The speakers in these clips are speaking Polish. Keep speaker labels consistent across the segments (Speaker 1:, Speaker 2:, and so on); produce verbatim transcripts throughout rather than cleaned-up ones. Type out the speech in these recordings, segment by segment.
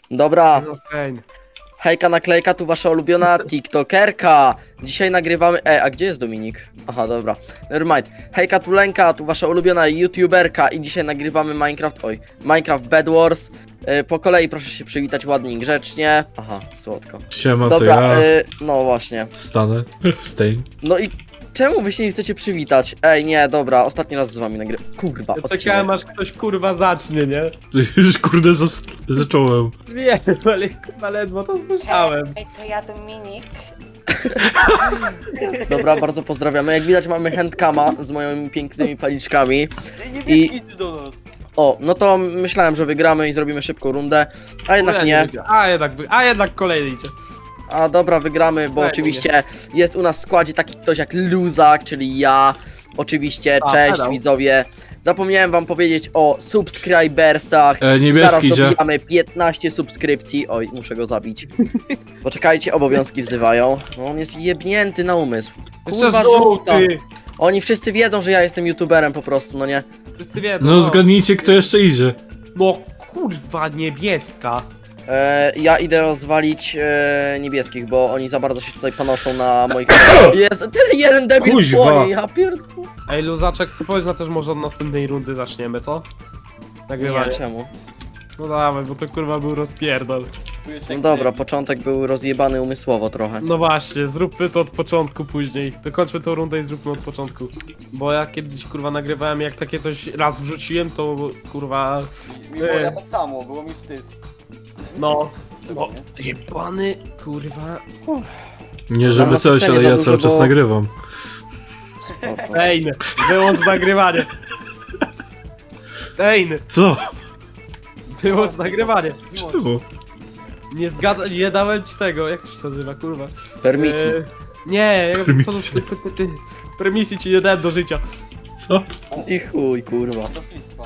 Speaker 1: Dobra,
Speaker 2: No Stein.
Speaker 1: hejka naklejka, tu wasza ulubiona tiktokerka. Dzisiaj nagrywamy... E, a gdzie jest Dominik? Aha, dobra, nevermind. Hejka tu Lenka, tu wasza ulubiona youtuberka i dzisiaj nagrywamy Minecraft... Oj, Minecraft Bed Wars. E, po kolei proszę się przywitać ładnie i grzecznie. Aha, słodko.
Speaker 3: Siema,
Speaker 1: Dobra,
Speaker 3: to ja
Speaker 1: e, no właśnie.
Speaker 3: stanę. Stein.
Speaker 1: No i czemu wy się nie chcecie przywitać? Ej, nie, dobra, ostatni raz z wami nagrywam. Kurwa,
Speaker 2: Ja
Speaker 1: odcinek.
Speaker 2: czekałem aż ktoś kurwa zacznie, nie?
Speaker 3: To już kurde zas- zacząłem.
Speaker 2: Wiem, ale kurwa ledwo to słyszałem.
Speaker 4: Ej, to ja Dominik.
Speaker 1: Dobra, bardzo pozdrawiamy. Jak widać mamy handcama z moimi pięknymi paliczkami.
Speaker 4: I... Idź do nas.
Speaker 1: O, no to myślałem, że wygramy i zrobimy szybką rundę, a jednak nie.
Speaker 2: A jednak, wy- a jednak kolej idzie.
Speaker 1: A dobra, wygramy, bo
Speaker 2: Fajnie.
Speaker 1: oczywiście jest u nas w składzie taki ktoś jak Luzak, czyli ja. Oczywiście,
Speaker 2: A,
Speaker 1: cześć
Speaker 2: hello.
Speaker 1: widzowie. Zapomniałem wam powiedzieć o subskrybersach.
Speaker 3: E, niebieski
Speaker 1: Zaraz
Speaker 3: idzie.
Speaker 1: dobijamy piętnaście subskrypcji. Oj, muszę go zabić. Poczekajcie, obowiązki wzywają. No on jest jebnięty na umysł. Kurwa,
Speaker 2: Jeszcze
Speaker 1: żółta.
Speaker 2: żółty.
Speaker 1: Oni wszyscy wiedzą, że ja jestem youtuberem po prostu, no nie?
Speaker 2: Wszyscy wiedzą.
Speaker 3: No zgadnijcie, kto jeszcze idzie.
Speaker 2: No kurwa niebieska.
Speaker 1: E, ja idę rozwalić e, niebieskich, bo oni za bardzo się tutaj panoszą na moich... Jest ten jeden debil
Speaker 3: Kuźwa.
Speaker 1: płonie, ja pierdolę.
Speaker 2: Ej Luzaczek, co powiesz na to, że może od następnej rundy zaczniemy, co?
Speaker 1: Nie,
Speaker 2: Nagrywanie.
Speaker 1: czemu?
Speaker 2: No dawaj, bo to kurwa był rozpierdol.
Speaker 1: No dobra, początek był rozjebany umysłowo trochę.
Speaker 2: No właśnie, zróbmy to od początku później. Dokończmy tą rundę i zróbmy od początku. Bo ja kiedyś kurwa nagrywałem, jak takie coś raz wrzuciłem, to kurwa...
Speaker 5: Mi było ja tak samo, było mi wstyd.
Speaker 2: No... No, jebany kurwa...
Speaker 3: Nie
Speaker 1: Mam
Speaker 3: żeby
Speaker 1: na
Speaker 3: coś,
Speaker 1: scenie
Speaker 3: ale
Speaker 1: za
Speaker 3: ja
Speaker 1: dużo,
Speaker 3: cały czas
Speaker 1: bo-
Speaker 3: nagrywam.
Speaker 2: Stein, wyłącz nagrywanie. Stein,
Speaker 3: Co?
Speaker 2: wyłącz nagrywanie.
Speaker 3: Czemu?
Speaker 2: Nie zgadzam, nie dałem ci tego, jak to się nazywa, kurwa.
Speaker 1: Permisji.
Speaker 2: E, nie, ja
Speaker 3: Permisji.
Speaker 2: po- po- po- Permisji ci nie dałem do życia.
Speaker 3: Co?
Speaker 1: I chuj, kurwa.
Speaker 5: Matownictwa.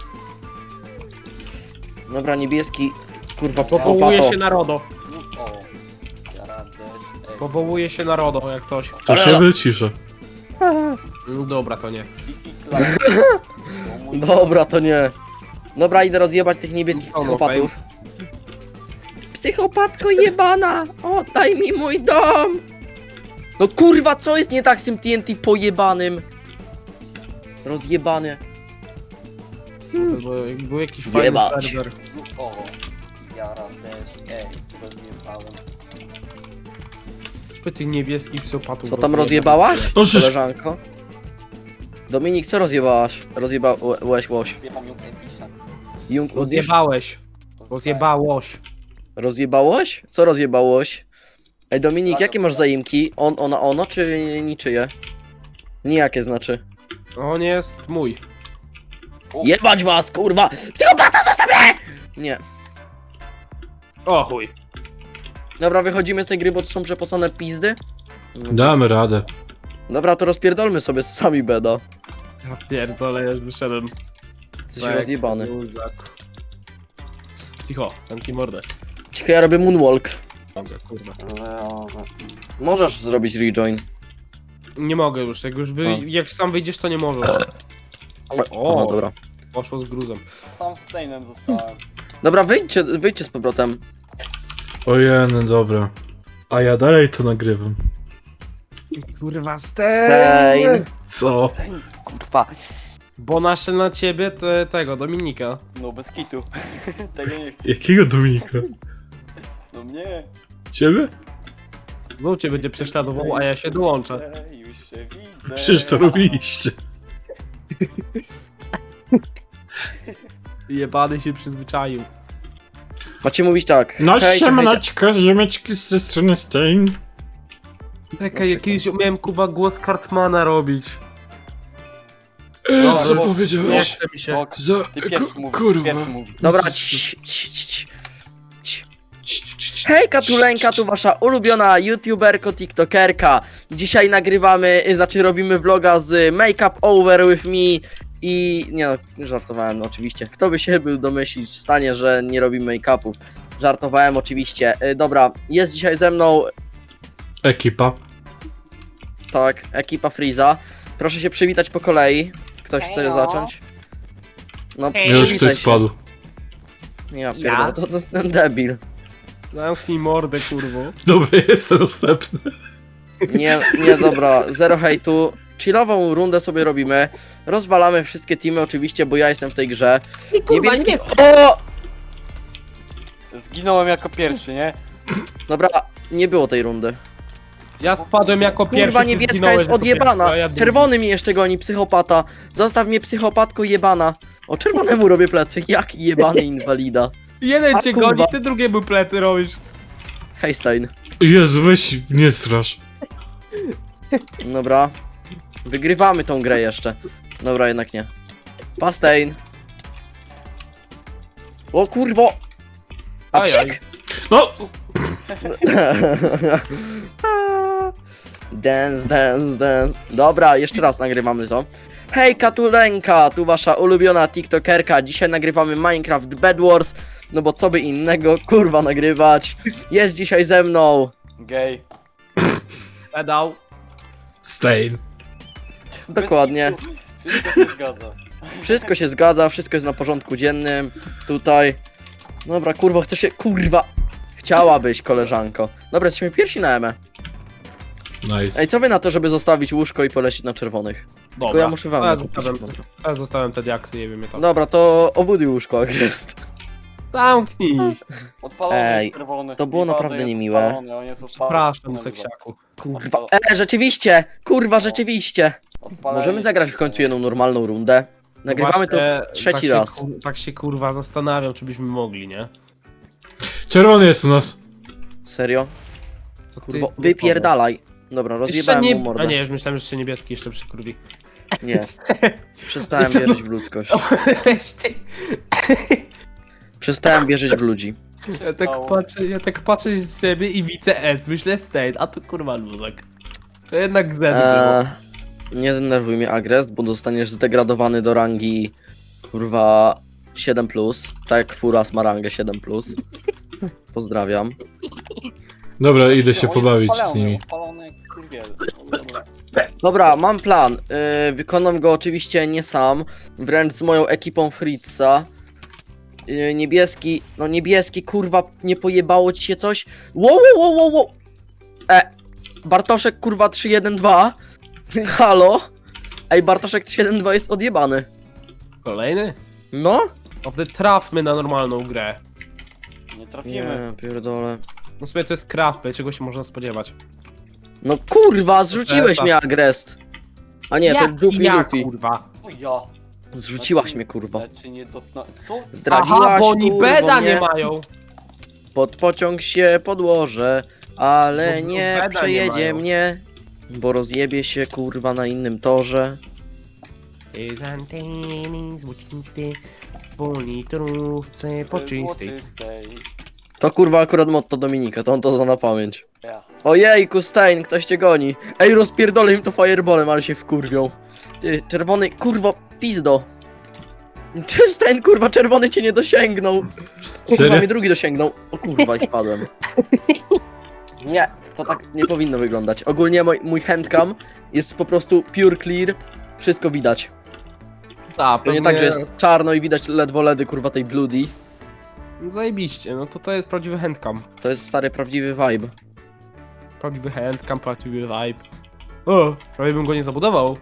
Speaker 1: Dobra, niebieski, kurwa,
Speaker 2: Powołuje
Speaker 1: psychopato.
Speaker 2: się na RODO.
Speaker 5: No, o. Ja radę, ej.
Speaker 2: Powołuje się na RODO, jak coś.
Speaker 3: To cię wyciszę.
Speaker 2: No dobra, to nie.
Speaker 5: Kiki Clark. To mój-
Speaker 1: Dobra, to nie. Dobra, idę rozjebać tych niebieskich
Speaker 2: No, no,
Speaker 1: psychopatów. Psychopatko jebana! Oddaj mi mój dom! No kurwa, co jest nie tak z tym T N T pojebanym? Rozjebany.
Speaker 2: Bo jakby był jakiś fajny
Speaker 1: Jebać.
Speaker 2: serwer.
Speaker 5: No, o. Ja radę, ej. Rozjebałem.
Speaker 2: Żeby tych niebieskich psychopatów
Speaker 1: Co tam
Speaker 2: rozjebać.
Speaker 1: rozjebałaś,
Speaker 3: O, żeż-
Speaker 1: koleżanko? Dominik, co rozjebałaś? Rozjebałeś łoś.
Speaker 5: Wjechał ją Edisha.
Speaker 1: Jung Udisz?
Speaker 2: Rozjebałeś. Rozjebałoś.
Speaker 1: Rozjebałoś? Co rozjebałoś? Ej Dominik, jakie masz zaimki? On, ona, ono, czy niczyje? Nijakie znaczy.
Speaker 2: On jest mój.
Speaker 1: Jebać was, kurwa! Psychopata, zostaw mnie! Nie.
Speaker 2: O chuj.
Speaker 1: Dobra, wychodzimy z tej gry, bo to są przepocone pizdy.
Speaker 3: Damy radę.
Speaker 1: Dobra, to rozpierdolmy sobie sami beda.
Speaker 2: Ja pierdolę, ja już wyszedłem.
Speaker 1: Jesteś
Speaker 2: Tak,
Speaker 1: rozjebany.
Speaker 2: luzak. Cicho, zamknij mordę.
Speaker 1: Cicho, ja robię moonwalk.
Speaker 2: Dobra, kurwa.
Speaker 1: Możesz zrobić rejoin.
Speaker 2: Nie mogę już, jak już wy,
Speaker 1: A.
Speaker 2: jak sam wyjdziesz, to nie możesz.
Speaker 1: Aha,
Speaker 2: O,
Speaker 1: dobra.
Speaker 2: poszło z gruzem.
Speaker 5: Sam z Steinem zostałem.
Speaker 1: Dobra, wyjdźcie, wyjdźcie z powrotem.
Speaker 3: Ojej, dobra. A ja dalej to nagrywam.
Speaker 2: Kurwa,
Speaker 1: Stein.
Speaker 3: Co?
Speaker 5: Kurwa.
Speaker 2: Bo nasze na ciebie te, tego, Dominika.
Speaker 5: No bez kitu. Tego nie chcę.
Speaker 3: Jakiego Dominika?
Speaker 5: No mnie.
Speaker 3: Ciebie?
Speaker 2: Znów cię będzie prześladował, a ja się dołączę.
Speaker 5: Ej, już się widzę.
Speaker 3: Przecież to robiliście.
Speaker 2: Jebany się przyzwyczaił.
Speaker 1: Macie mówić tak.
Speaker 3: No
Speaker 1: hejcie, hejcie.
Speaker 3: siemaneczko, ziomeczki ze strony Stein.
Speaker 2: Czekaj, ja kiedyś umiałem kuwa głos Cartmana robić.
Speaker 3: E,
Speaker 2: No,
Speaker 3: co
Speaker 5: bo-
Speaker 2: Nie
Speaker 3: powiedziałeś?
Speaker 2: chce mi się.
Speaker 5: Bok,
Speaker 3: Za...
Speaker 5: ty pierwszy
Speaker 3: ku-
Speaker 5: mówisz,
Speaker 3: kurwa.
Speaker 5: pierwszy mówisz.
Speaker 1: Dobra, cii, cii, cii, cii.
Speaker 3: Cii, cii, cii.
Speaker 1: Hejka, tu Lenka, tu wasza ulubiona youtuberko, tiktokerka. Dzisiaj nagrywamy, y, znaczy robimy vloga z Make Up Over With Me i... Nie no, żartowałem no, oczywiście. Kto by się był domyślić w stanie, że nie robimy make-upów. Żartowałem oczywiście. Y, Dobra, jest dzisiaj ze mną,
Speaker 3: Ekipa.
Speaker 1: tak, ekipa Freeza. Proszę się przywitać po kolei. Ktoś chce
Speaker 4: Hejo.
Speaker 1: zacząć? No,
Speaker 4: Hej.
Speaker 3: Już
Speaker 1: przywitaj
Speaker 3: ktoś
Speaker 1: się.
Speaker 3: spadł.
Speaker 1: Ja pierdolę, to, to ten debil.
Speaker 2: Zamknij mordę, kurwo.
Speaker 3: Dobra, jest następny.
Speaker 1: Nie, nie, dobra, zero hejtu. Chillową rundę sobie robimy. Rozwalamy wszystkie teamy oczywiście, bo ja jestem w tej grze. Niebieski... O!
Speaker 5: Zginąłem jako pierwszy, nie?
Speaker 1: Dobra, nie było tej rundy.
Speaker 2: Ja spadłem jako pierwszy.
Speaker 1: Kurwa,
Speaker 2: ty
Speaker 1: niebieska
Speaker 2: zginąłeś
Speaker 1: jest
Speaker 2: jako
Speaker 1: odjebana.
Speaker 2: pierwszy, a ja drugi.
Speaker 1: Czerwony mi jeszcze goni, psychopata. Zostaw mnie, psychopatko jebana. O, czerwonemu robię plecy. Jaki jebany inwalida.
Speaker 2: Jeden
Speaker 1: A,
Speaker 2: cię
Speaker 1: kurwa.
Speaker 2: goni, ty drugiemu plecy robisz.
Speaker 1: Hej, Stein.
Speaker 3: Jezu, weź, nie strasz.
Speaker 1: Dobra. Wygrywamy tą grę jeszcze. Dobra, jednak nie. Pastein. O kurwo! A
Speaker 2: Ajaj.
Speaker 1: psik!
Speaker 3: No!
Speaker 1: Dance, dance, dance. Dobra, jeszcze raz nagrywamy to. Hej Katulenka, tu wasza ulubiona tiktokerka. Dzisiaj nagrywamy Minecraft Bed Wars. No bo co by innego, kurwa, nagrywać. Jest dzisiaj ze mną.
Speaker 5: Gej.
Speaker 2: Pedał.
Speaker 3: Stain.
Speaker 1: Dokładnie.
Speaker 5: Wszystko się zgadza.
Speaker 1: Wszystko się zgadza, wszystko jest na porządku dziennym. Tutaj. Dobra, kurwa, chcę się. Kurwa. Chciałabyś, koleżanko. Dobra, jesteśmy pierwsi na Emę.
Speaker 3: Nice.
Speaker 1: Ej, co wy na to, żeby zostawić łóżko i polecieć na czerwonych?
Speaker 2: Dobra.
Speaker 1: Tylko ja muszę wam
Speaker 2: A ja
Speaker 1: kupić.
Speaker 2: zostawiam, ja zostawiam te diaksy, nie wiem tam.
Speaker 1: Dobra, to obuduj łóżko, jak jest.
Speaker 2: Zamknij.
Speaker 5: Odpalony
Speaker 1: Ej,
Speaker 5: jest czerwony.
Speaker 1: to było
Speaker 5: I bardzo
Speaker 1: naprawdę
Speaker 5: jest
Speaker 1: niemiłe.
Speaker 5: odpalony, on jest odpalony.
Speaker 2: Przepraszam, seksiaku.
Speaker 1: Kurwa. E, rzeczywiście! Kurwa, rzeczywiście!
Speaker 5: Odpalenie.
Speaker 1: Możemy zagrać w końcu jedną normalną rundę. Nagrywamy to
Speaker 2: Właśnie,
Speaker 1: trzeci
Speaker 2: tak się,
Speaker 1: raz.
Speaker 2: kur- Tak się kurwa zastanawiam, czy byśmy mogli, nie?
Speaker 3: Czerwony jest u nas.
Speaker 1: Serio?
Speaker 2: Co ty,
Speaker 1: Kurwa,
Speaker 2: kurwa,
Speaker 1: wypierdalaj. Dobra,
Speaker 2: Jeszcze
Speaker 1: rozjebałem
Speaker 2: nie...
Speaker 1: mu mordę.
Speaker 2: A nie, już myślałem, że jeszcze niebieski jeszcze przykurwi.
Speaker 1: Nie. Przestałem wierzyć w ludzkość. Przestałem wierzyć w ludzi.
Speaker 2: Ja tak patrzę, ja tak patrzę z siebie i widzę S, myślę State, a tu kurwa luzek. To jednak Z
Speaker 1: Eee, nie denerwuj mnie, Agrest, bo zostaniesz zdegradowany do rangi kurwa siedem plus. Tak jak Furas ma rangę siedem plus. Pozdrawiam.
Speaker 3: Dobra, idę się
Speaker 5: On jest
Speaker 3: pobawić
Speaker 5: odpalony,
Speaker 3: z nimi.
Speaker 5: Odpalony jak skurwiel.
Speaker 1: Dobra, mam plan. Yy, wykonam go oczywiście nie sam, wręcz z moją ekipą Fritza. Yy, niebieski, no niebieski, kurwa, nie pojebało ci się coś? Wow, wow, wow, wow. E, Bartoszek, kurwa, trzy jeden dwa. Halo? Ej, Bartoszek trzy jeden dwa jest odjebany.
Speaker 2: Kolejny?
Speaker 1: No?
Speaker 2: No wtedy trafmy na normalną grę.
Speaker 5: Nie trafimy.
Speaker 1: Nie, pierdolę.
Speaker 2: No sobie to jest craft, czego się można spodziewać.
Speaker 1: No kurwa, zrzuciłeś
Speaker 2: Epa.
Speaker 1: mnie, Agrest. A nie, to Luffy
Speaker 2: ja,
Speaker 1: Luffy.
Speaker 2: kurwa.
Speaker 5: O ja.
Speaker 1: Zrzuciłaś mnie, kurwa.
Speaker 5: Czy nie dotknę... Co?
Speaker 1: Zdradziłaś,
Speaker 2: Aha, bo oni
Speaker 1: kurwo,
Speaker 2: beda
Speaker 1: mnie.
Speaker 2: nie mają.
Speaker 1: Pod pociąg się podłożę, ale
Speaker 2: Bo
Speaker 1: nie
Speaker 2: beda nie
Speaker 1: przejedzie
Speaker 2: mają.
Speaker 1: mnie, bo rozjebie się kurwa na innym torze.
Speaker 2: Anteny złocisty, po litrówce poczystej.
Speaker 5: Złotystej.
Speaker 1: To kurwa akurat motto Dominika, to on to zna na pamięć.
Speaker 5: Ja.
Speaker 1: Ojejku, Stein, ktoś cię goni. Ej, rozpierdolę im to fireballem, ale się wkurwią. Ty, czerwony, kurwa, pizdo. Czy Stein, kurwa, czerwony cię nie dosięgnął. Kurwa,
Speaker 3: Serio?
Speaker 1: mnie drugi dosięgnął. O kurwa, i spadłem. Nie, to tak nie powinno wyglądać. Ogólnie mój, mój handcam jest po prostu pure clear. Wszystko widać.
Speaker 2: A,
Speaker 1: To nie tak, że jest czarno i widać ledwo ledy, kurwa, tej bloody.
Speaker 2: Zajebiście, no to to jest prawdziwy handcam.
Speaker 1: To jest stary, prawdziwy vibe.
Speaker 2: Prawdziwy handcam, prawdziwy vibe. O, prawie bym go nie zabudował.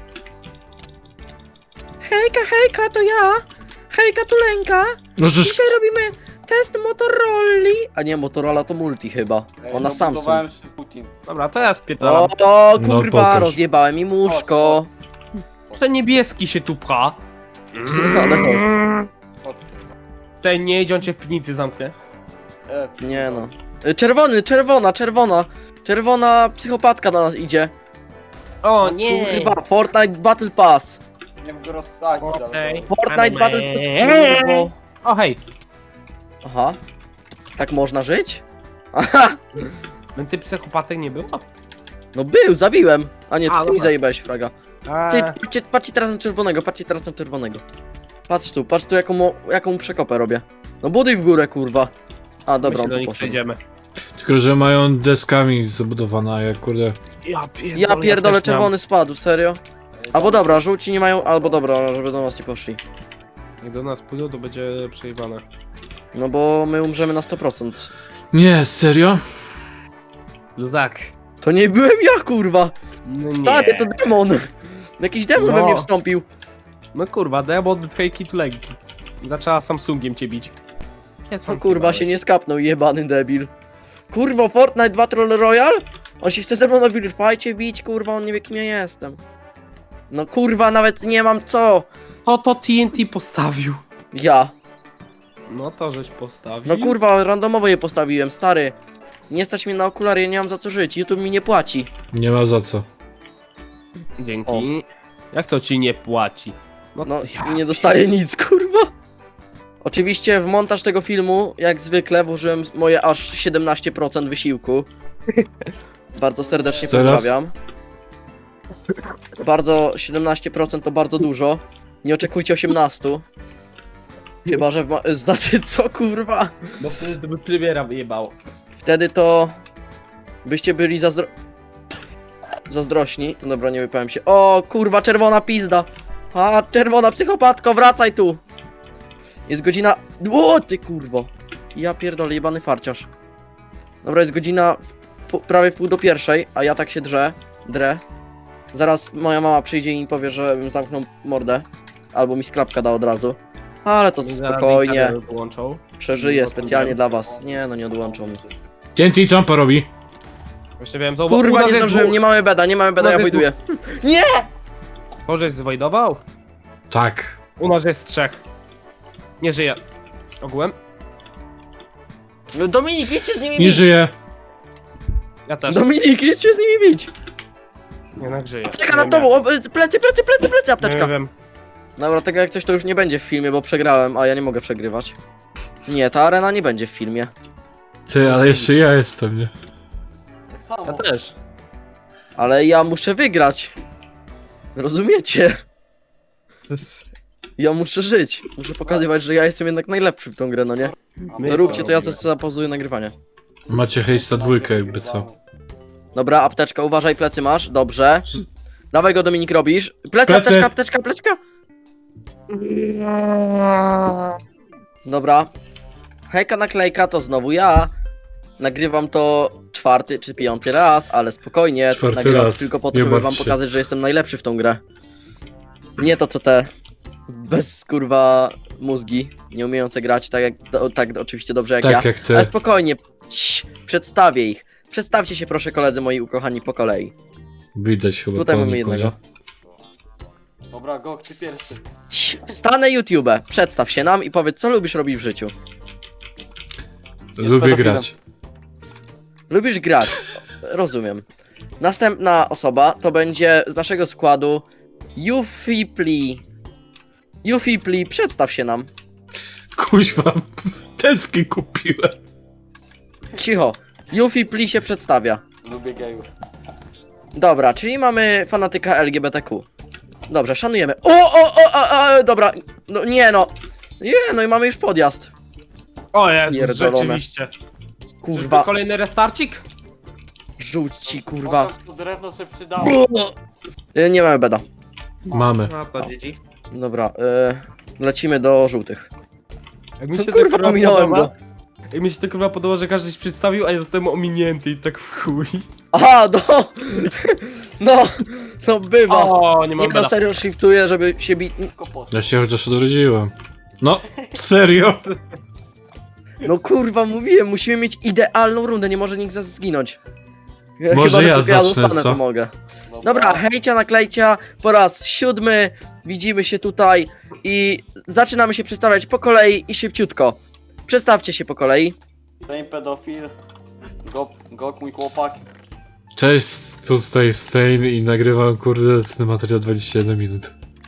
Speaker 1: Hejka, hejka, to ja. Hejka, Tulenka.
Speaker 3: No żeż...
Speaker 1: Dzisiaj robimy test Motorola. A nie, Motorola to multi chyba. Ona Samsung.
Speaker 5: Budowałem się z Putin.
Speaker 2: Dobra, to ja spierdalam.
Speaker 1: O, to
Speaker 3: No,
Speaker 1: kurwa,
Speaker 3: pokaż.
Speaker 1: rozjebałem im łóżko.
Speaker 2: Ten niebieski się tu pcha.
Speaker 1: Ale chodź.
Speaker 5: Podstaw.
Speaker 2: Ten nie idzie, on cię w piwnicy zamknie.
Speaker 5: E,
Speaker 1: Nie no. Y, Czerwony, czerwona, czerwona. Czerwona psychopatka do nas idzie.
Speaker 2: O
Speaker 1: Kurwa, Fortnite Battle Pass.
Speaker 5: Nie mógł go rozsadzić, ale...
Speaker 2: Okej.
Speaker 1: Fortnite Battle Pass. kurwo.
Speaker 2: O hej,
Speaker 1: Aha. Tak można żyć? Aha.
Speaker 2: więcej psychopatek nie było?
Speaker 1: No był, zabiłem. A nie,
Speaker 2: A,
Speaker 1: to ty mi
Speaker 2: dobra.
Speaker 1: zajebałeś, fraga. Ty,
Speaker 2: A,
Speaker 1: patrzcie, patrzcie teraz na czerwonego, patrzcie teraz na czerwonego. Patrz tu, patrz tu jaką, mu- jaką przekopę robię. No buduj w górę, kurwa. A dobra,
Speaker 2: my się
Speaker 1: on
Speaker 2: do
Speaker 1: tu
Speaker 2: nich
Speaker 1: poszedł.
Speaker 2: przejdziemy.
Speaker 3: Tylko, że mają deskami zabudowane, a ja kurde...
Speaker 2: Ja pierdolę,
Speaker 1: Ja pierdolę,
Speaker 2: też
Speaker 1: czerwony spadł, serio? Albo dobra, żółci nie mają, albo dobra, żeby do nas nie poszli.
Speaker 2: mam. Jak do nas pójdą, to będzie przejebane.
Speaker 1: No bo my umrzemy na sto procent.
Speaker 3: Nie, serio?
Speaker 2: Luzak.
Speaker 1: To nie byłem ja, kurwa!
Speaker 2: No
Speaker 1: Stary,
Speaker 2: nie.
Speaker 1: to demon! Jakiś demon we
Speaker 2: No.
Speaker 1: mnie wstąpił.
Speaker 2: No kurwa, demon hejki tu legki. Zaczęła Samsungiem cię bić. Jest
Speaker 1: O kurwa, się nie skapnął, jebany debil. Kurwa, Fortnite Battle Royale? On się chce ze mną na Buildfightie bić, kurwa, on nie wie kim ja jestem. No kurwa, nawet nie mam co.
Speaker 2: To to T N T postawił.
Speaker 1: Ja.
Speaker 2: No to żeś postawił.
Speaker 1: No kurwa, randomowo je postawiłem, stary. Nie stać mnie na okulary, ja nie mam za co żyć, YouTube mi nie płaci.
Speaker 3: Nie ma za co.
Speaker 2: Dzięki.
Speaker 1: O.
Speaker 2: Jak to ci nie płaci?
Speaker 1: No,
Speaker 2: ja
Speaker 1: nie dostaję nic, kurwa. Oczywiście w montaż tego filmu, jak zwykle, włożyłem moje aż siedemnaście procent wysiłku. Bardzo serdecznie
Speaker 3: Teraz?
Speaker 1: pozdrawiam. Bardzo, siedemnaście procent to bardzo dużo. Nie oczekujcie osiemnaście. Chyba, że w ma- znaczy co, kurwa?
Speaker 2: Bo wtedy to by premiera wyjebało.
Speaker 1: Wtedy to byście byli zazdro... zazdrośni. Dobra, nie wypowiem się. O, kurwa, czerwona pizda. A, czerwona psychopatko, wracaj tu. Jest godzina... O, ty kurwo. Ja pierdolę, jebany farciarz. Dobra, jest godzina w... po- prawie w pół do pierwszej, a ja tak się drę. Drę. Zaraz moja mama przyjdzie i mi powie, żebym zamknął mordę. Albo mi sklapka da od razu. Ale to
Speaker 2: Zaraz
Speaker 1: spokojnie.
Speaker 2: internet Wyłączą.
Speaker 1: Przeżyję specjalnie dla was. Nie no, nie odłączą mi.
Speaker 3: T N T jumpa robi.
Speaker 2: Właśnie wiem, co u
Speaker 1: Kurwa,
Speaker 2: nas
Speaker 1: nie
Speaker 2: jest
Speaker 1: zdążyłem,
Speaker 2: dwóch.
Speaker 1: nie mamy beda, nie mamy beda,
Speaker 2: U
Speaker 1: ja
Speaker 2: nas jest
Speaker 1: wojduję. Nie!
Speaker 2: Może jest zwojdował?
Speaker 3: Tak.
Speaker 2: U nas jest trzech. Nie żyje. Ogółem?
Speaker 1: No Dominik, idźcie z nimi
Speaker 3: Nie
Speaker 1: bić!
Speaker 3: żyje.
Speaker 2: Ja też.
Speaker 1: Dominik, idźcie z nimi bić!
Speaker 2: Jednak żyje.
Speaker 1: Czeka nad tobą, o, plecy, plecy, plecy, plecy,
Speaker 2: Nie
Speaker 1: apteczka.
Speaker 2: wiem.
Speaker 1: Dobra, tego jak coś to już nie będzie w filmie, bo przegrałem, a ja nie mogę przegrywać. Nie, ta arena nie będzie w filmie.
Speaker 3: Ty, ale jeszcze ja jestem, nie?
Speaker 5: Tak samo.
Speaker 2: Ja też.
Speaker 1: Ale ja muszę wygrać. Rozumiecie?
Speaker 2: To jest-
Speaker 1: Ja muszę żyć. Muszę pokazywać, że ja jestem jednak najlepszy w tą grę, no nie?
Speaker 2: My
Speaker 1: To róbcie, to ja
Speaker 2: robimy.
Speaker 1: sobie zapozuję nagrywanie.
Speaker 3: Macie hejsta dwójkę, jakby co.
Speaker 1: Dobra, apteczka, uważaj, plecy masz, dobrze. Dawaj go, Dominik, robisz. Plecy,
Speaker 3: Plecy.
Speaker 1: apteczka, apteczka, apteczka. Dobra. Hejka naklejka to znowu ja. Nagrywam to czwarty czy piąty raz, ale spokojnie.
Speaker 3: Czwarty
Speaker 1: Nagrywam
Speaker 3: raz,
Speaker 1: tylko po to,
Speaker 3: nie
Speaker 1: żeby wam
Speaker 3: martw się.
Speaker 1: pokazać, że jestem najlepszy w tą grę. Nie to co te bez kurwa mózgi, nie umiejące grać tak jak do, tak oczywiście dobrze jak
Speaker 3: Tak
Speaker 1: ja.
Speaker 3: jak ty.
Speaker 1: Ale spokojnie, Cii, przedstawię ich. Przedstawcie się proszę koledzy moi ukochani po kolei.
Speaker 3: Widać chyba
Speaker 1: Tutaj
Speaker 3: po
Speaker 1: mamy
Speaker 3: niku,
Speaker 1: jednego.
Speaker 3: nie?
Speaker 5: Dobra, Gok, ty pierwszy.
Speaker 1: Cii, Stanę YouTube, przedstaw się nam i powiedz co lubisz robić w życiu.
Speaker 3: Lubię
Speaker 5: pedofilem.
Speaker 3: grać.
Speaker 1: Lubisz grać. Rozumiem. Następna osoba to będzie z naszego składu Ufipli. Ufipli, przedstaw się nam.
Speaker 3: Kuźwa, deski kupiłem.
Speaker 1: Cicho. Ufipli się przedstawia.
Speaker 5: Lubię gejów.
Speaker 1: Dobra, czyli mamy fanatyka L G B T Q. Dobrze, szanujemy. O, o, o, a, a, dobra. No nie no. Nie, no i mamy już podjazd.
Speaker 2: O Jezus,
Speaker 1: Pierdolone.
Speaker 2: rzeczywiście.
Speaker 1: Kurwa,
Speaker 2: Czyżby kolejny restarcik?
Speaker 1: rzuć ci kurwa.
Speaker 5: Chociaż to drewno się przydało.
Speaker 1: Y, Nie mamy beda.
Speaker 3: Mamy.
Speaker 2: No to dzieci.
Speaker 1: Dobra, y, lecimy do żółtych.
Speaker 2: Jak mi
Speaker 1: To
Speaker 2: się
Speaker 1: kurwa,
Speaker 2: to kurwa
Speaker 1: ominąłem
Speaker 2: podoba,
Speaker 1: go.
Speaker 2: Jak mi się to kurwa podoba, że każdy się przedstawił, a ja zostałem ominięty i tak w chuj.
Speaker 1: Aha, no. No, no bywa.
Speaker 2: O, nie mam
Speaker 1: Nie no,
Speaker 2: beda.
Speaker 1: serio shiftuję, żeby się bić.
Speaker 5: Tylko poszło.
Speaker 3: Ja się chociaż odrodziłem. No, serio?
Speaker 1: No kurwa, mówiłem, musimy mieć idealną rundę, nie może nikt z nas zginąć.
Speaker 3: Może
Speaker 1: Chyba, że
Speaker 3: ja
Speaker 1: tylko ja
Speaker 3: zacznę,
Speaker 1: zostanę,
Speaker 3: co?
Speaker 1: to mogę. Dobra, hejcia naklejcia, po raz siódmy, widzimy się tutaj i zaczynamy się przedstawiać po kolei i szybciutko. Przedstawcie się po kolei.
Speaker 5: Ten pedofil. Gok, Gok, mój chłopak.
Speaker 3: Cześć, tutaj Stain i nagrywam kurde ten materiał dwadzieścia jeden minut.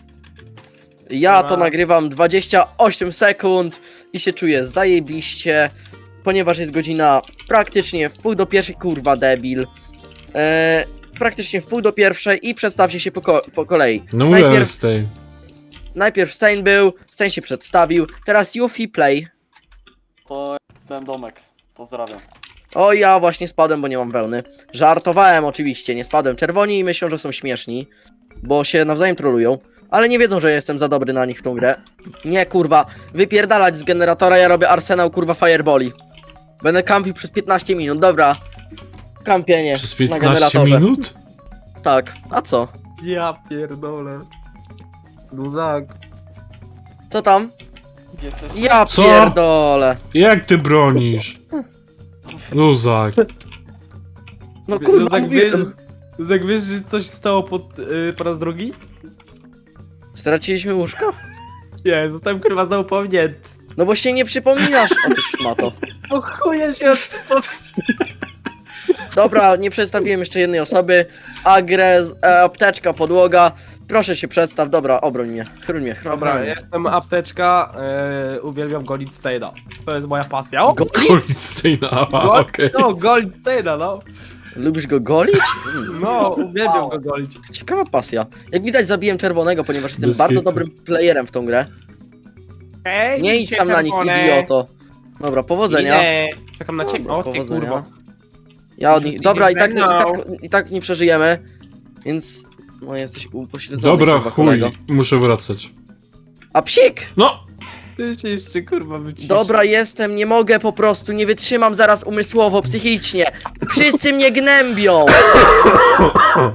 Speaker 1: Ja to
Speaker 2: Dobra.
Speaker 1: nagrywam dwadzieścia osiem sekund i się czuję zajebiście, ponieważ jest godzina praktycznie w pół do pierwszej, kurwa debil. Eee, praktycznie w pół do pierwszej i przedstawcie się po, ko po kolei.
Speaker 3: No mówiłem
Speaker 1: Najpierw,
Speaker 3: Stain.
Speaker 1: najpierw Stein był, Stein się przedstawił, teraz Yuffie Play.
Speaker 5: To ten domek. Pozdrawiam.
Speaker 1: O, ja właśnie spadłem, bo nie mam wełny. Żartowałem oczywiście, nie spadłem. Czerwoni myślą, że są śmieszni, bo się nawzajem trolują. Ale nie wiedzą, że jestem za dobry na nich w tą grę. Nie, kurwa. Wypierdalać z generatora, ja robię arsenał, kurwa, fireboli. Będę kampił przez piętnaście minut, dobra. Kampienie
Speaker 3: Przez
Speaker 1: na
Speaker 3: piętnaście
Speaker 1: generatorze.
Speaker 3: minut?
Speaker 1: Tak, a co?
Speaker 2: Ja pierdolę. Luzak.
Speaker 1: Co tam?
Speaker 5: Jesteś...
Speaker 1: Ja
Speaker 3: Co?
Speaker 1: pierdolę.
Speaker 3: Jak ty bronisz? Luzak.
Speaker 1: No kurwa,
Speaker 2: Luzak,
Speaker 1: mówiłem.
Speaker 2: wiesz, Luzak, wiesz, że coś stało pod, yy, po raz drugi?
Speaker 1: Straciliśmy łóżko?
Speaker 2: Nie, zostałem kurwa znowu pominięty.
Speaker 1: No bo się nie przypominasz, o ty szmato.
Speaker 2: O chuja się przypomnieć.
Speaker 1: Dobra, nie przedstawiłem jeszcze jednej osoby. Agres, e, apteczka, podłoga. Proszę się przedstaw, dobra, obroń mnie. Chroń mnie, chroń
Speaker 2: Dobra,
Speaker 1: mnie.
Speaker 2: jestem apteczka, yy, uwielbiam Goldsteina. To jest moja pasja. O,
Speaker 1: Goli?
Speaker 3: Goldsteina,
Speaker 2: Gold,
Speaker 3: okej.
Speaker 2: no, Goldsteina, no.
Speaker 1: Lubisz go golić? Mm,
Speaker 2: No, uwielbiam go golić.
Speaker 1: ciekawa pasja. Jak widać zabiłem czerwonego, ponieważ jestem
Speaker 3: Bez
Speaker 1: bardzo
Speaker 3: kitu.
Speaker 1: dobrym playerem w tą grę.
Speaker 2: Ej,
Speaker 1: Nie idź sam na nich, idioto. Dobra, powodzenia.
Speaker 2: Nie. Czekam na ciebie. O, ty
Speaker 1: Powodzenia.
Speaker 2: kurwa.
Speaker 1: Ja od nich... Dobra, i tak, i,
Speaker 2: Idziesz ze
Speaker 1: tak,
Speaker 2: mną.
Speaker 1: i tak nie przeżyjemy. Więc... No jesteś upośledzony,
Speaker 3: Dobra,
Speaker 1: kurwa,
Speaker 3: chuj,
Speaker 1: kolego.
Speaker 3: muszę wracać.
Speaker 1: A psik!
Speaker 3: No!
Speaker 2: Ty się jeszcze kurwa wycisz.
Speaker 1: Dobra, jestem, nie mogę po prostu, nie wytrzymam zaraz umysłowo, psychicznie. Wszyscy mnie gnębią.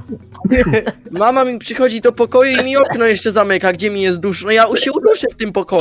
Speaker 1: Mama mi przychodzi do pokoju i mi okno jeszcze zamyka, gdzie mi jest duszno. Ja się uduszę w tym pokoju.